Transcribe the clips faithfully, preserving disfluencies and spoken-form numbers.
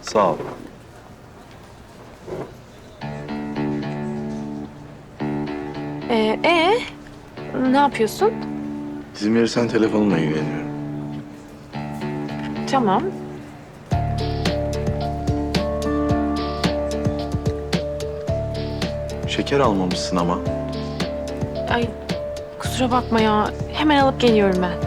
Sağ ol. Ee, ee, ne yapıyorsun? İzin verirsen telefonumla ilgileniyorum. Tamam. Şeker almamışsın ama. Ay, kusura bakma ya. Hemen alıp geliyorum ben.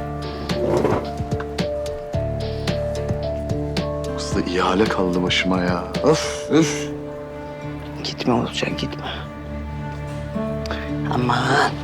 Aslı ihale kaldı başıma ya. Öf, öf. Gitme olacak, gitme. Aman.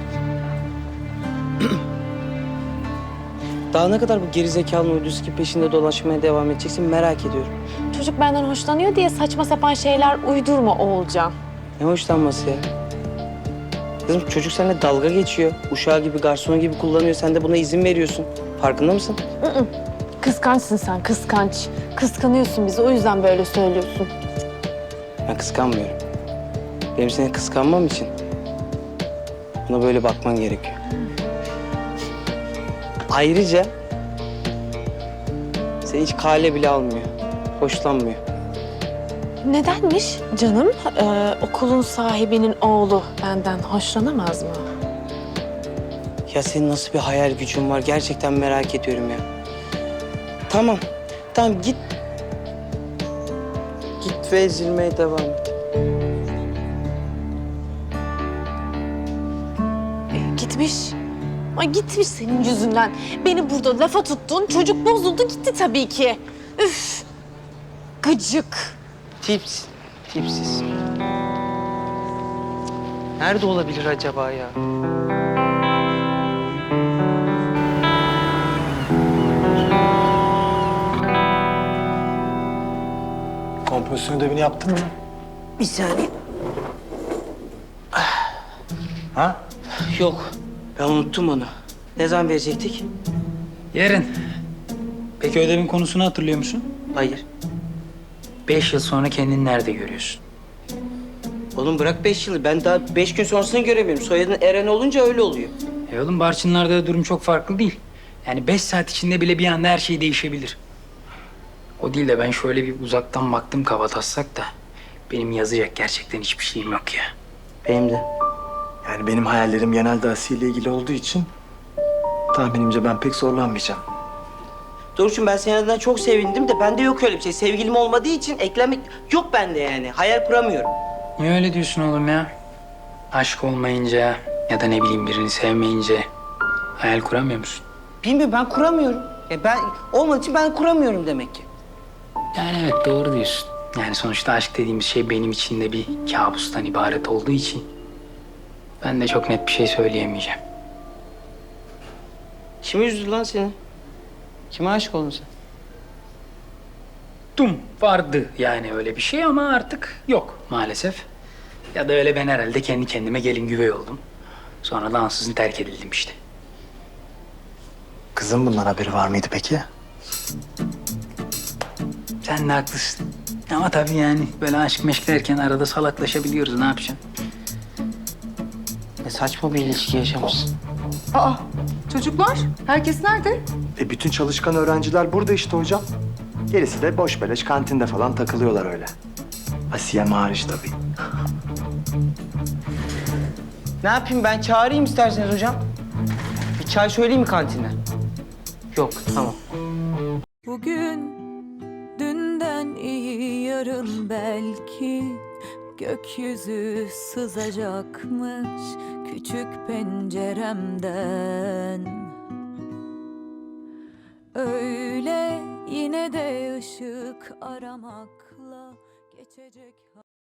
Daha ne kadar bu gerizekalının uydusu peşinde dolaşmaya devam edeceksin merak ediyorum. Çocuk benden hoşlanıyor diye saçma sapan şeyler uydurma Oğulcan. Ne hoşlanması ya? Kızım çocuk seninle dalga geçiyor. Uşağı gibi, garsonu gibi kullanıyor. Sen de buna izin veriyorsun. Farkında mısın? Kıskançsın sen, kıskanç. Kıskanıyorsun bizi, o yüzden böyle söylüyorsun. Ben kıskanmıyorum. Benim seni kıskanmam için buna böyle bakman gerekiyor. Ayrıca seni hiç kale bile almıyor. Hoşlanmıyor. Nedenmiş canım? Ee, okulun sahibinin oğlu benden hoşlanamaz mı? Ya senin nasıl bir hayal gücün var? Gerçekten merak ediyorum ya. Tamam. Tamam git. Git ve ezilmeye devam et. Ee, gitmiş. Ay gitmiş senin yüzünden. Beni burada lafa tuttun, çocuk bozuldu gitti tabii ki. Üf! Gıcık. Tips. Tipsiz. Nerede olabilir acaba ya? Kompozisyon ödevini yaptın mı? Bir saniye. Ha? Yok. Ben unuttum onu. Ne zaman verecektik? Yarın. Peki ödevin konusunu hatırlıyor musun? Hayır. Beş yıl sonra kendini nerede görüyorsun? Oğlum bırak beş yılı. Ben daha beş gün sonrasını göremiyorum. Soyadın Eren olunca öyle oluyor. E oğlum Barçınlar'da da durum çok farklı değil. Yani beş saat içinde bile bir anda her şey değişebilir. O değil de ben şöyle bir uzaktan baktım kabataslak da... ...benim yazacak gerçekten hiçbir şeyim yok ya. Benim de. Yani benim hayallerim genelde Asiye ile ilgili olduğu için tahminimce ben pek zorlanmayacağım. Doğrucuğum ben senin adına çok sevindim de bende yok öyle bir şey. Sevgilim olmadığı için eklemek yok bende yani. Hayal kuramıyorum. Niye öyle diyorsun oğlum ya? Aşk olmayınca ya da ne bileyim birini sevmeyince... ...hayal kuramıyor musun? Bilmiyorum ben kuramıyorum. Ya ben olmadığı için ben kuramıyorum demek ki. Yani evet doğru diyorsun. Yani sonuçta aşk dediğimiz şey benim için de bir kabustan ibaret olduğu için... ...ben de çok net bir şey söyleyemeyeceğim. Kim üzdü lan seni? Kime aşık oldun sen? Dum vardı yani öyle bir şey ama artık yok maalesef. Ya da öyle ben herhalde kendi kendime gelin güvey oldum. Sonra da ansızın terk edildim işte. Kızın bundan haberi var mıydı peki? Sen de haklısın. Ama tabii yani böyle aşk meşk derken arada salaklaşabiliyoruz, ne yapacaksın? Ne saçma bir ilişki yaşamışsın. Aa, çocuklar, herkes nerede? E bütün çalışkan öğrenciler burada işte hocam. Gerisi de boş beleş kantinde falan takılıyorlar öyle. Asiye hariç tabii. Ne yapayım ben çağırayım isterseniz hocam. Bir çay söyleyeyim mi kantinden? Yok tamam. Bugün dünden iyi yarın belki gökyüzü sızacakmış küçük penceremden. Öyle yine de ışık aramakla geçecek.